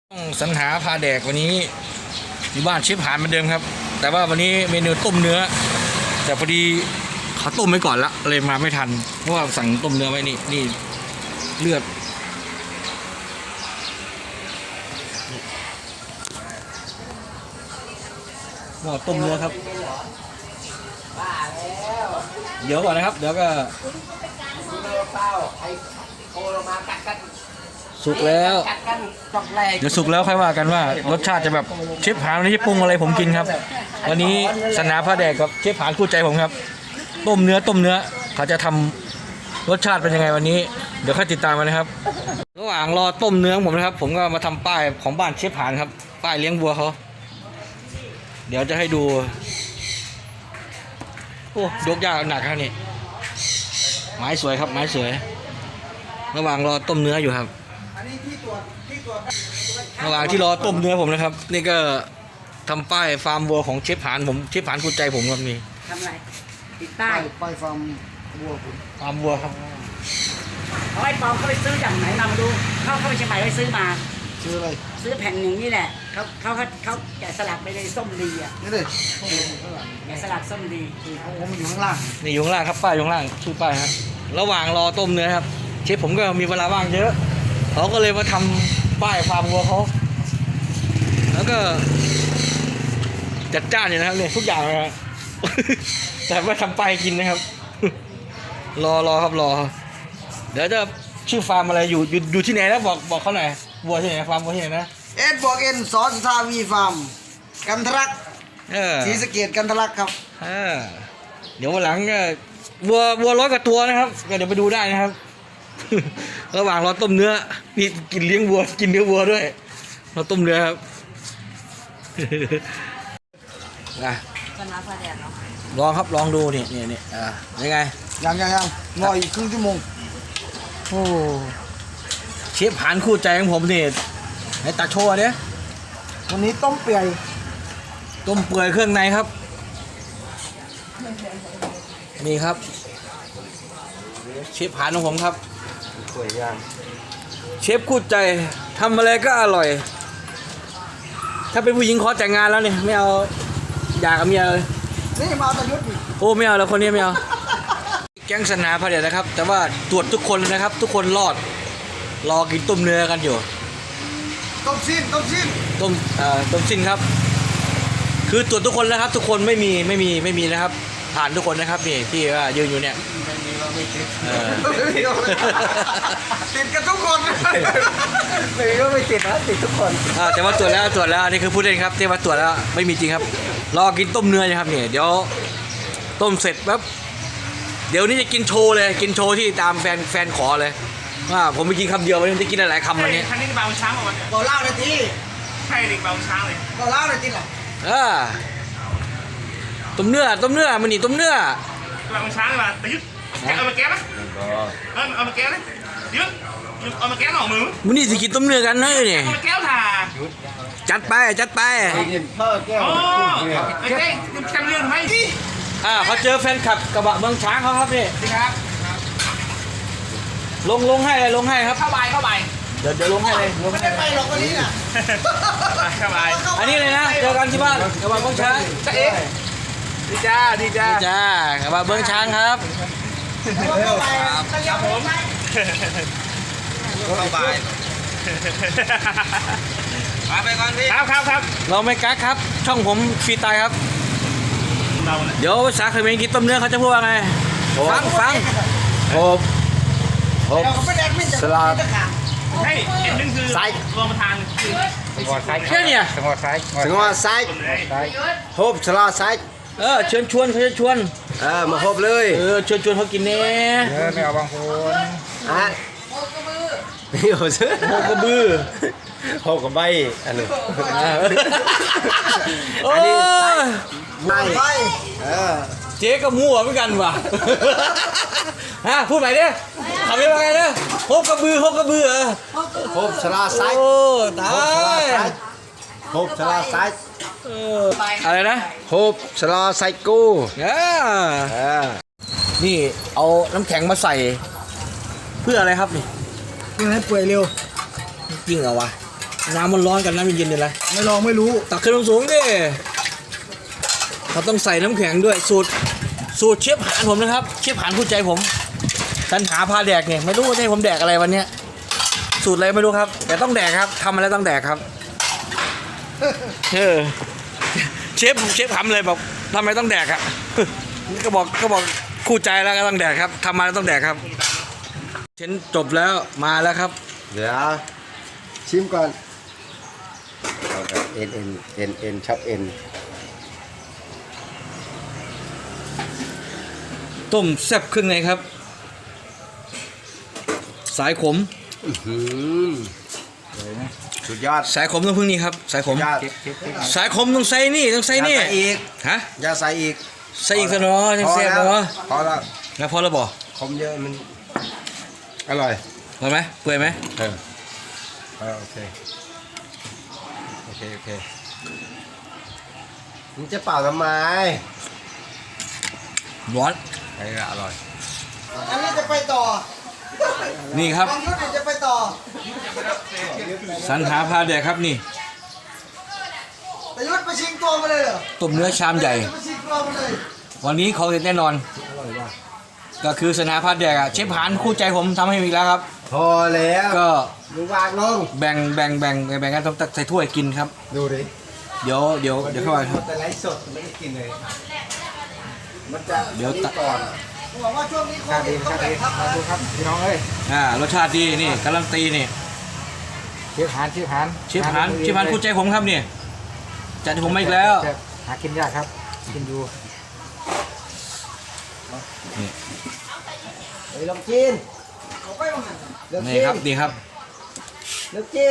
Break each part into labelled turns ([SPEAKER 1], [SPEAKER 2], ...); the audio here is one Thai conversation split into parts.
[SPEAKER 1] ต้องสรรหาพาแดกวันนี้อยู่บ้านเชฟหานเหมือนเดิมครับแต่ว่าวันนี้เมนูต้มเนื้อแต่พอดีเขาต้มไว้ก่อนละเลยมาไม่ทันเพราะว่าสั่งต้มเนื้อไว้นี่เลือดว่าต้มเนื้อครับเดี๋ยวก่อนนะครับเดี๋ยวก็สุกแล้วเดี๋ยวสุกแล้วค่อยว่ากันว่ารสชาติจะแบบเชฟหานวันนี้จะปรุงอะไรผมกินครับวันนี้สนาพระแดกกับเชฟหานคู่ใจผมครับต้มเนื้อเขาจะทำรสชาติเป็นยังไงวันนี้เดี๋ยวค่อยติดตามกันนะครับระหว่างรอต้มเนื้อผมนะครับผมก็มาทำป้ายของบ้านเชฟหานครับป้ายเลี้ยงวัวเขาเดี๋ยวจะให้ดูโอ้ยกยากหนักครับนี่ไม้สวยครับไม้สวยระหว่างรอต้มเนื้ออยู่ครับระหว่างที่รอต้มเนื้อผมนะครับนี่ก็ทำป้ายฟาร์มวัวของเชฟผานผมเชฟผานคู่ใจผมครับนี่
[SPEAKER 2] ทำอะไรติดป้าย
[SPEAKER 3] ป้ายฟาร์มวัวผม
[SPEAKER 1] ฟาร์มวัวครับ
[SPEAKER 2] เอาไอ้ปอมเขาไปซื้อจากไหนมาดูเขาไปเชียงใหม่ไปซื้อมา
[SPEAKER 3] ซื้ออะไร
[SPEAKER 2] ซื้อแผ่นหนึ่งนี่แหละเขาแกะสลักไปในส้มดีอ่ะ
[SPEAKER 3] นี่เลย
[SPEAKER 2] แกะสลักส้มดี
[SPEAKER 3] ผมอยู่ข้างล่าง
[SPEAKER 1] นี่อยู่ข้างล่างครับป้ายอยู่ข้างล่างชื่อป้ายครับระหว่างรอต้มเนื้อครับเชฟผมก็มีเวลาว่างเยอะเขาก็เลยมาทำป้ายฟาร์มวัวเขาแล้วก็จัดจ้านอยู่นะครับเนี่ยทุกอย่างเลยครับ แต่ไม่ทำป้ายกินนะครับ รอครับรอเดี๋ยวจะชื่อฟาร์มอะไรอยู่ที่ไหนนะบอกเขาหน่อยวัวที่ไหนฟาร์มวัวที่ไหนนะ
[SPEAKER 3] บอกสอนสุทาวีฟาร์มกันทรักศรีสะเกษกันทรักครับ
[SPEAKER 1] เดี๋ยววันหลังก็วัว100 กว่าตัวนะครับก็เดี๋ยวไปดูได้นะครับ ระหว่างรอต้มเนื้อนี่กินเลี้ยงวัวกินเนื้อวัวด้วยเราต้มเนื้อครับ
[SPEAKER 2] ชนะพระแดดเนาะ
[SPEAKER 1] ลองครับลองดูนี่ยังไง
[SPEAKER 3] ยังรออีกครึ่งชั่วโมง
[SPEAKER 1] โอ้เชฟหานคู่ใจของผมนี่ในตาโชว์เนี่ย
[SPEAKER 3] วันนี้ต้มเปื่อย
[SPEAKER 1] เครื่องในครับนี่ครับเชฟหานของผมครับสวยย่างเชฟคู่ใจทำอะไรก็อร่อยถ้าเป็นผู้หญิงขอแต่งงานแล้วเนี่ยไม่เอาอยากกับเมียเลย
[SPEAKER 3] นี่มาตะยุทธ์
[SPEAKER 1] โอ้ไม่เอาแล้วคนนี้ไม่เอาแก๊งสนาพระเดชนะครับแต่ว่าตรวจทุกคนนะครับทุกคนรอกินต้มเนื้อกันอยู่
[SPEAKER 3] ต้มสิ้นต้ม
[SPEAKER 1] สิ้นครับคือตรวจทุกคนนะครับทุกคนไม่มีนะครับผ่านทุกคนนะครับนี่ที่ว่ายืนอยู่เนี่ย
[SPEAKER 3] ติดกันทุกคนไม่ก็ไม่ติดนะติดทุกคน
[SPEAKER 1] แต่ว่าตรวจแล้วอันนี้คือพูดเล่นครับที่ว่าตรวจแล้วไม่มีจริงครับรอกินต้มเนื้อนะครับนี่เดี๋ยวต้มเสร็จปั๊บเดี๋ยวนี้จะกินโชว์เลยกินโชว์ที่ตามแฟนขอเลยว่าผมไปกินคำเดียววันนี้จะกินหลายคำวันนี้
[SPEAKER 4] ท่านนี่เบาช้างกว่าวันนี้
[SPEAKER 3] บอกเล่าเลยที
[SPEAKER 4] ใช่เด็กเบาช้างเลย
[SPEAKER 3] บอกเล่าเลยทีหรอ
[SPEAKER 1] ต้มเนื้อมันนี่ต้มเนื้อ
[SPEAKER 4] เบาช้างเลยว่ะแต่ยึดเอามาแก้ไหมเอามาแก้ไหมยึดเอามาแก้หน่อมือ
[SPEAKER 1] มันนี่สิกินต้มเนื้อกันนะนี่
[SPEAKER 4] เอามาแก้วถ่า
[SPEAKER 1] จัดไป
[SPEAKER 3] พ่อแก้ว
[SPEAKER 4] ไอ้เด้จำเรื่องไหม
[SPEAKER 1] เขาเจอแฟนคลับกระบะเมืองช้างเขาครับนี่
[SPEAKER 4] ครับ
[SPEAKER 1] ลงให้ครับ
[SPEAKER 4] เข้าไป
[SPEAKER 1] เดี๋ยวลงให้เลย
[SPEAKER 3] ไม่ได้ไปหรอกวันนี้น่ะ
[SPEAKER 4] เข้าไป
[SPEAKER 1] อันนี้เลยนะเจอกันที่บ้านกระบะเมืองช้าง
[SPEAKER 4] จะเอ๊ะดีจ้าก
[SPEAKER 1] ระบะเมืองช้างครับ
[SPEAKER 4] ครับผมเข้าไปก่อนพี่ครับ
[SPEAKER 1] เราไม่กักครับช่องผมฟรีตายครับเดี๋ยวสาเคยเมนกินต้มเนื้อเขาจะพูดว่าไงฟังโอ้สลัด
[SPEAKER 4] ให้เห็นนึงคือรวมประธาน
[SPEAKER 1] แค่เนี่ย
[SPEAKER 3] สงวนไซโฮบสลัดไซ
[SPEAKER 1] เชิญชวน
[SPEAKER 3] มาโฮบเลย
[SPEAKER 1] ชวนเขากินเนี่ย
[SPEAKER 3] ไม่เอาบางคนโฮกระบือโฮกระใบอันนี้ใบ
[SPEAKER 1] เจ๊ก็มั่วเหมือนกันว่ะพูดใหม่ดิทำยังไงเนี่ยโฮกระบือ
[SPEAKER 3] โฮบสลาไซ
[SPEAKER 1] โอ้ตาย
[SPEAKER 3] โฮบสลาไซ
[SPEAKER 1] อะไรนะ
[SPEAKER 3] โฮบสลาไซกู
[SPEAKER 1] นี่เอาน้ำแข็งมาใส่เพื่ออะไรครับนี่
[SPEAKER 3] เพื่อให้เปื่อยเร็ว
[SPEAKER 1] จริงเหรอวะน้ำมันร้อนกับน้ำเย็นๆนี่แหละ
[SPEAKER 3] ไม่ลองไม่รู้
[SPEAKER 1] ตักขึ้นสูงๆดิเขาต้องใส่น้ำแข็งด้วยสูตรเชฟหานผมนะครับเชฟหานผู้ใจผมสันหาพาแดกเนี่ยไม่รู้ว่าให้ผมแดกอะไรวันเนี้ยสูตรอะไรไม่รู้ครับแต่ต้องแดกครับทำอะไรต้องแดกครับเชฟทำเลยบอกทำไมต้องแดกอะก็บอกคู่ใจแล้วก็ต้องแดกครับทำมาแล้วต้องแดกครับเช่นจบแล้วมาแล้วครับ
[SPEAKER 3] เดี๋ยวชิมก่อนเอาแบบเอ็นชอบเอ็น
[SPEAKER 1] ต้มแซ่บเครื่องในครับ สายขม
[SPEAKER 3] สุดยอด
[SPEAKER 1] สายขมต้องพึ่งนี่ครับสายขม
[SPEAKER 3] ยอด
[SPEAKER 1] สายขมต้องใส่นี่ต้องใส่นี่
[SPEAKER 3] อย่าใส่อีก
[SPEAKER 1] ฮะ
[SPEAKER 3] อย่าใส่อีก
[SPEAKER 1] ใส่อีกซะเนาะจังแซ่บเนาะ
[SPEAKER 3] พอแล้ว
[SPEAKER 1] แล้วพอแล้วบ่
[SPEAKER 3] คมเยอะมันอร่อย
[SPEAKER 1] พอไหมเปื่อยไหม
[SPEAKER 3] โอเคมันจะเป่าทำไม
[SPEAKER 1] ร้อน
[SPEAKER 3] อร่อยอันนี้จะไปต่อ
[SPEAKER 1] นี่ครับ
[SPEAKER 3] บางยุทธจะไปต่อ
[SPEAKER 1] สรรหาพาแดกครับนี่
[SPEAKER 3] แต่ยุทธไปชิงตัวมาเลยเหรอ
[SPEAKER 1] ต้มเนื้อชามใหญ่
[SPEAKER 3] จะไปชิงตัวมาเลย
[SPEAKER 1] วันนี้เขาเด็ดแน่นอนก็คือสรรหาพาแดกอะเชฟหานคู่ใจผมทำให้อีกแล้วครับ
[SPEAKER 3] พอแล้ว
[SPEAKER 1] ก็
[SPEAKER 3] ดูวางลง
[SPEAKER 1] แบ่งกันต้องตักใส่ถ้วยกินครับ
[SPEAKER 3] ดูดิ
[SPEAKER 1] เดี๋ยวเข้าไปครับ
[SPEAKER 3] แต่ไลฟ์สดไม่ได้กินเลยมันจะ
[SPEAKER 1] เดี๋ยวตัก
[SPEAKER 3] ก่อนบอกว่าช่วงนี้โควิดต้องแบ่งทับนะดูครับพี่น้องเอ้ย
[SPEAKER 1] รสชาติดีนี่การันตีนี่
[SPEAKER 3] เชฟหาน
[SPEAKER 1] เชฟหานคู่ใจผมครับนี่จัดให้ผมมาอีกแล้ว
[SPEAKER 3] หากินยากครับกินดู
[SPEAKER 1] นี่
[SPEAKER 3] เฮ้ยลองกินเลิก
[SPEAKER 1] นี่
[SPEAKER 3] กิน
[SPEAKER 1] ครับนี่ครับ
[SPEAKER 3] เลิกกิน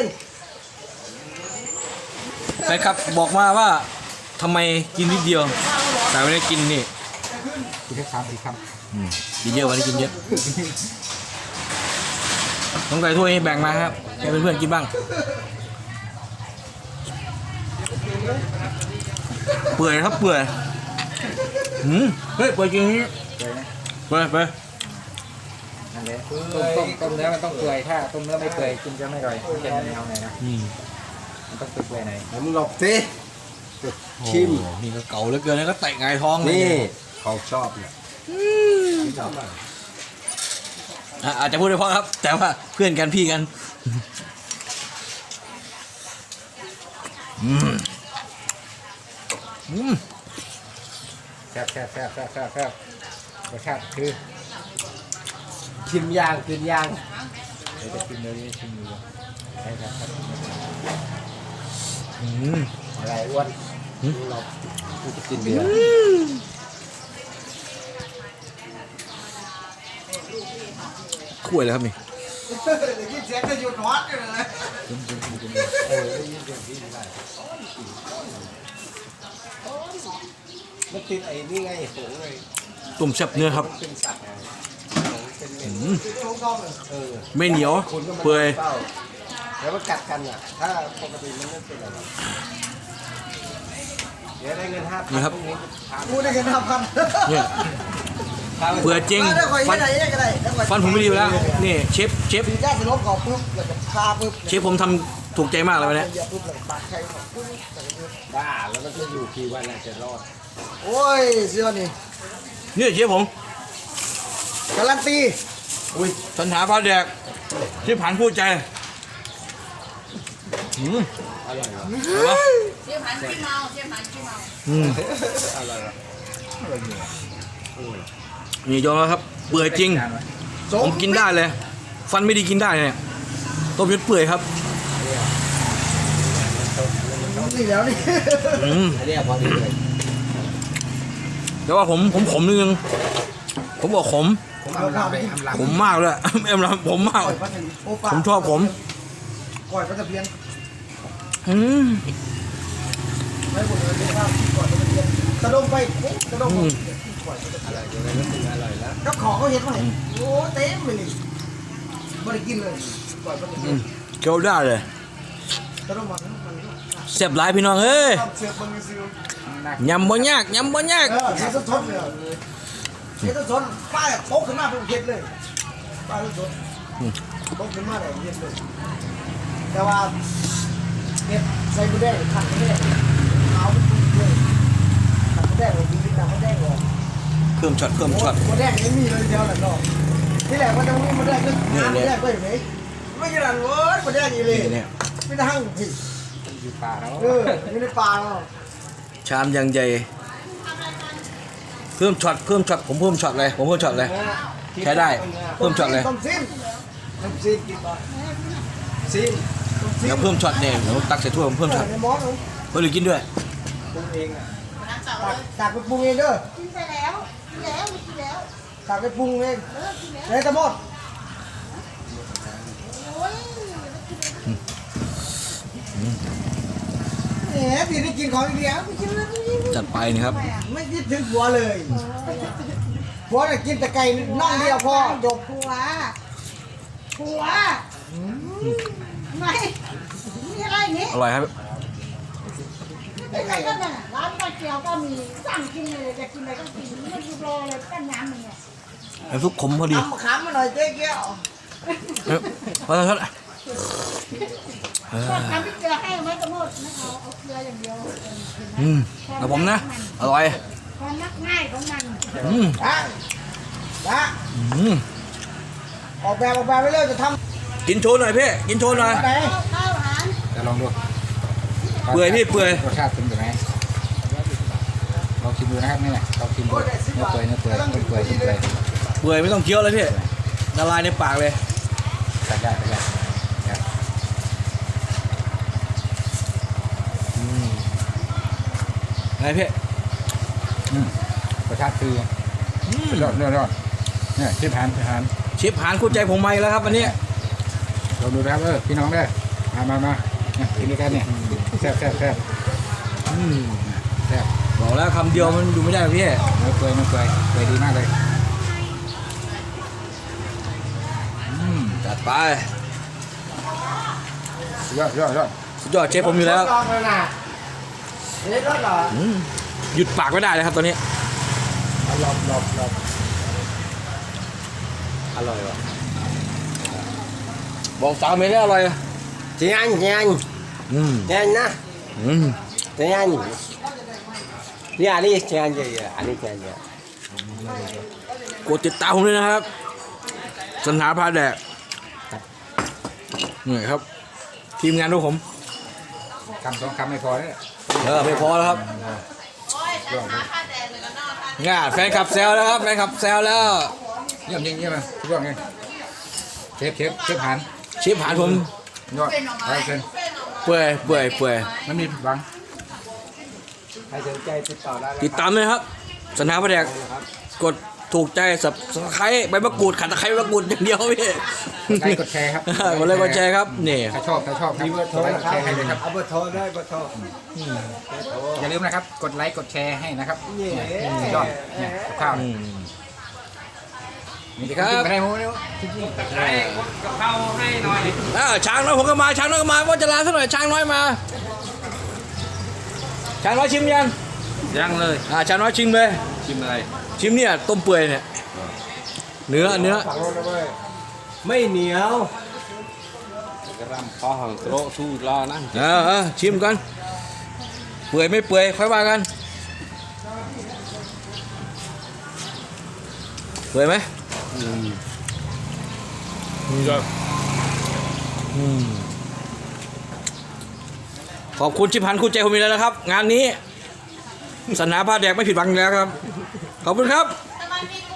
[SPEAKER 1] แฟนครับบอกมาว่าทำไมกินนิดเดียวแต่วันนี้กินนี่
[SPEAKER 3] กินแค่3-4 คำ
[SPEAKER 1] กินเยอะวันนี้กินเยอะต้องใส่ถ้วยให้แบ่งมาครับให้เพื่อนๆกินบ้างเปื่อยครับเปื่อยเฮ้ยเปื่อยจริงนี่เปื่อย
[SPEAKER 5] นั่นแหละต้มเนื้อมันต้องเปื่อยถ้าต้มเนื้อไม่เปื่อยกินจะไม่อร่อยมันจะแนวไหนนะมันต้องเปื่อยไหน
[SPEAKER 3] ผมหลบสิชิม
[SPEAKER 1] โอ้โหนี่ก็เก่าเหลือเกินแล้วก็เตะไงายท้องเลย
[SPEAKER 3] นี่เขาชอบเนี่ย
[SPEAKER 1] อาจจะพูดได้เพราะครับ แต่ว่าเพื่อนกันพี่กัน
[SPEAKER 5] แซ่บรสชาติคือ
[SPEAKER 3] ชิมย่างกินย่าง
[SPEAKER 5] เดี๋ยวจะกินเลยชิมดูใช่ครับ
[SPEAKER 3] อะไรอ้วนเราจะกินเบียร์
[SPEAKER 1] ข่วยเลยครับนี่
[SPEAKER 3] กินเสียงจะหยุดฮอตอยู่เลยมันติดไอ้นี่ไงผงเลย
[SPEAKER 1] ตุ่มแซ่บเนื้อครับ
[SPEAKER 3] เป็นสัตว์
[SPEAKER 1] ไม่เหนียวเปื่อย
[SPEAKER 3] แล้วมันกัดกันอ่ะถ้าปกติมันไม่เป็นอะไรเดี๋ยวได้เงิน5,000
[SPEAKER 1] นี่ครับ
[SPEAKER 3] กูได้เงิน5,000
[SPEAKER 1] เนี่ยเปื่อยจริงฟันผมไม่ดีอยู่แล้วนี่เชฟ
[SPEAKER 3] ปีแรกจะลบก่อนปุ๊บแล้วก็พาปุ๊บ
[SPEAKER 1] เชฟผมทำถูกใจมากเลยวันนี้
[SPEAKER 3] เหยียบปุ๊บแล้วก็ปาดใครก่อนปุ๊บ
[SPEAKER 5] บ้าแล้วมันจะอยู่กี่วันน่ะจะรอด
[SPEAKER 3] โอ้ยเสื้อนี่
[SPEAKER 1] นี่เชฟผม
[SPEAKER 3] การันตี
[SPEAKER 1] สัญหาพาแดกเชฟผ่านพูดใจ
[SPEAKER 6] เชี่ยวหันขี้เมาเชี่ยวหันขี้เมา
[SPEAKER 1] นี่ยอมแล้วครับเปื่อยจริงผมกินได้เลย ฟันไม่ดีกินได้เนี่ยต้มยำเปื่อยครับ
[SPEAKER 3] นี่แล้วนี่
[SPEAKER 5] อันนี้พอดีเลย
[SPEAKER 1] แต่ว่าผมขมนิดนึงผมบอกขม
[SPEAKER 3] ผมเอาข้าวไปกิน
[SPEAKER 1] ผมมากเลย เอ็มรับผมมาก ผมชอบผม
[SPEAKER 3] ก่อยปลาตะเพียน ไม่หมดเลยข้าวก่อยปลาตะเพียนกระดมไปกระดมอะไรแล้วก็ขอเขาเห็นไหมโอ้เต็มเลยนี่ไม่ได้กินเลยก่อยปลาตะเพียน
[SPEAKER 1] เคี้ยวได้เลย
[SPEAKER 3] กระดมมัน
[SPEAKER 1] เสียบหลายพี่น้องเอ้ย
[SPEAKER 3] เสียบมันซื้อย
[SPEAKER 1] ำบ่ยาก
[SPEAKER 3] เสียต้นทนเลยเสียต้นทนป้ายโป๊กขึ้นมาเป็นเห็ดเลยป้ายต้นทนโป๊กขึ้นมาเลยเห็ดเลยแต่ว่าเห็ดใส่หมูแดงขัดหมูแดงเอาไปปรุงเลยขัดหมูแดงเลยดีนะหมูแดงออก
[SPEAKER 1] เพิ่มช็อต
[SPEAKER 3] หมูแดงไม่มีเลยเดียวแหละเนาะที่แรกมันจะมีหมูแดงก็หาหมูแดงไปไหนไม่กี่ดันเว้ยหมูแดงอีเลย
[SPEAKER 1] เนี่ย
[SPEAKER 3] ไม่ได้หั่งผิด
[SPEAKER 5] อยู่ป่าแล้ว
[SPEAKER 3] อยู่ในป่าเนาะ
[SPEAKER 1] ชามยังใหญ่เพิ่มช็อตผมเพิ่มช็อตเลยใช้ได้เพิ่มช็อตเลย
[SPEAKER 3] ต้มซีนกินบ่ซีน
[SPEAKER 1] เดี๋ยวเพิ่มช็อตเนี่ยเดี๋ยวตักใส่ถ้วยผมเพิ่มช็อต
[SPEAKER 3] ในหม้อเนาะ
[SPEAKER 1] เพื่อกินด้วย
[SPEAKER 3] ปรุงเองอ่ะตักไปปรุงเองเด้อ
[SPEAKER 6] กินไปแล้วกินแล้วกินแล้ว
[SPEAKER 3] ตักไปปรุงเอง
[SPEAKER 6] กินแล้ว
[SPEAKER 3] เลยทั้งหมด
[SPEAKER 6] โอ้ย
[SPEAKER 3] แหมพี่ได้กินของอีกแล้วไม่กินแล้ว
[SPEAKER 1] จัดไปนี่ครับ
[SPEAKER 3] ไม่คิดถึงผัวเลยผัวน่ะกินแต่ไก่น่องเดียวพอจบ
[SPEAKER 6] ผัวไม่มีอะไรนี่
[SPEAKER 1] อร่อยครับ
[SPEAKER 6] อะไรก็เนี่ยร้านก๋วยเตี๋ยวก็มีสั่งกินเลยจะกินอะไรก็กินไม่ดูรอเลยตั้งน้ำมันเนี่ย
[SPEAKER 1] น้ำซุปขมพอดี
[SPEAKER 3] ทำมะขามมาหน่อยเจ๊เกี้ยว
[SPEAKER 1] พอแล้ว
[SPEAKER 6] ชอบทำพริกเกลือให้ไหมกระโมดไม่เอาเกลืออย่างเดียว
[SPEAKER 1] กับผมนะอร่อย
[SPEAKER 6] ความมักง่ายของมัน
[SPEAKER 3] นะ
[SPEAKER 1] อืม
[SPEAKER 3] ออกแบบไปเรื่อยจะท
[SPEAKER 1] กินโชว์หน่อยพี่กินโชว์หน่อย
[SPEAKER 3] ำไหน
[SPEAKER 6] ข้าวอาหาร
[SPEAKER 5] จะลองดู
[SPEAKER 1] เปื่อยพี่เปื่อย
[SPEAKER 5] รสชาติเป็นยังไงลองชิมดูนะครับนี่แหละลองชิมดูเนื้อเปื่อยต้มเปื่อย
[SPEAKER 1] เปื่อยไม่ต้องเคี้ยวเลยพี่ละลายในปากเลย
[SPEAKER 5] ใส่ได้ครับ
[SPEAKER 1] ไงพี่
[SPEAKER 5] รสชาติคือยอดเนี่ยชิมหาน
[SPEAKER 1] เชฟหานคู่ใจผมมาอีกแล้วครับวันนี้
[SPEAKER 5] ลองดูนะครับพี่น้องได้มากินด้วยกันเนี่ยแซ่บแซ่บ
[SPEAKER 1] บอกแล้วคำเดียวมันอยู่ไม่ได้พี่
[SPEAKER 5] เนื้อเปื่อยดีมากเลย
[SPEAKER 1] จัดไป
[SPEAKER 5] ยอด
[SPEAKER 1] สุดยอดเชฟผมอยู่แล้ว
[SPEAKER 3] ลองเลยนะเด็ดรถเหรอ
[SPEAKER 1] หยุดปากไม่ได้เลยครับตอนนี้
[SPEAKER 3] หลบ
[SPEAKER 1] อร่อยว่ะบอกสาวเมย์ได้อร่อย
[SPEAKER 3] chị anh
[SPEAKER 1] อืม
[SPEAKER 3] chị anh nè
[SPEAKER 1] อืม
[SPEAKER 3] chị anh đi anh đi chị anh gì anh đi chị anh gì
[SPEAKER 1] กดติดตามผมด้วยนะครับสัญหาพาแดกนี่ครับ ทีมงานพวกผม
[SPEAKER 5] คำสองคำไม่พอเนี่ย
[SPEAKER 1] ไม่พอแล้วครับง่าแฟนคลับแซวแล้วครับแฟนคลับแซวแล้ว
[SPEAKER 5] เยี่ยมเลยทุกอย่างไงเชฟหาน
[SPEAKER 1] เชฟหานผม
[SPEAKER 5] ยอดไปเชิญ
[SPEAKER 1] เปื่อย
[SPEAKER 5] ไม่มีบัง
[SPEAKER 3] ใครสนใจติดต่อได้
[SPEAKER 1] ติดตามเลยครับสัญหาพาแดกกดถูกใจสับสไครใบมะกรูดขัดตะไคร้ใบมะกรูดอย่างเดียวพี่
[SPEAKER 5] ไลค์กดแชร์ครับ
[SPEAKER 1] กดไลค์กดแชร์ครับนี่
[SPEAKER 5] ถ้าชอบครับกดไลค์กดแชร์ให้เลยครับ
[SPEAKER 3] เอาเบอร์โทรได้เบอร์โทร
[SPEAKER 5] อย่าลืมนะครับกดไลค์กดแชร์ให้นะครับสุดยอดเนี่ยกับข้าว
[SPEAKER 1] อืม
[SPEAKER 5] นี่ครับไม่ได้โม้เนี่ย
[SPEAKER 1] ช้างน้อยผมก็มาช้างน้อยก็มาว่าจะลาซะหน่อยช้างน้อยมาช้างน้อยชิมยัง
[SPEAKER 7] ยังเลย
[SPEAKER 1] ช้างน้อยชิมเลย
[SPEAKER 7] ชิมอะไร
[SPEAKER 1] ชิมเนี่ยต้มเปื่อยเนี่ยเนื้อ
[SPEAKER 3] ไม่เหนียว
[SPEAKER 7] กระรำพอหังโตรสู้รอนะ
[SPEAKER 1] ชิมกันเปื่อยไม่เปื่อยค่อยว่ากันเปื่อยไหมขอบคุณชิพันธ์คุณใจผมมีแล้วนะครับ งานนี้สัญหาผ้าแดกไม่ผิดหวังอีกแล้วครับ ขอบคุณครับ
[SPEAKER 6] ทำไมมีกู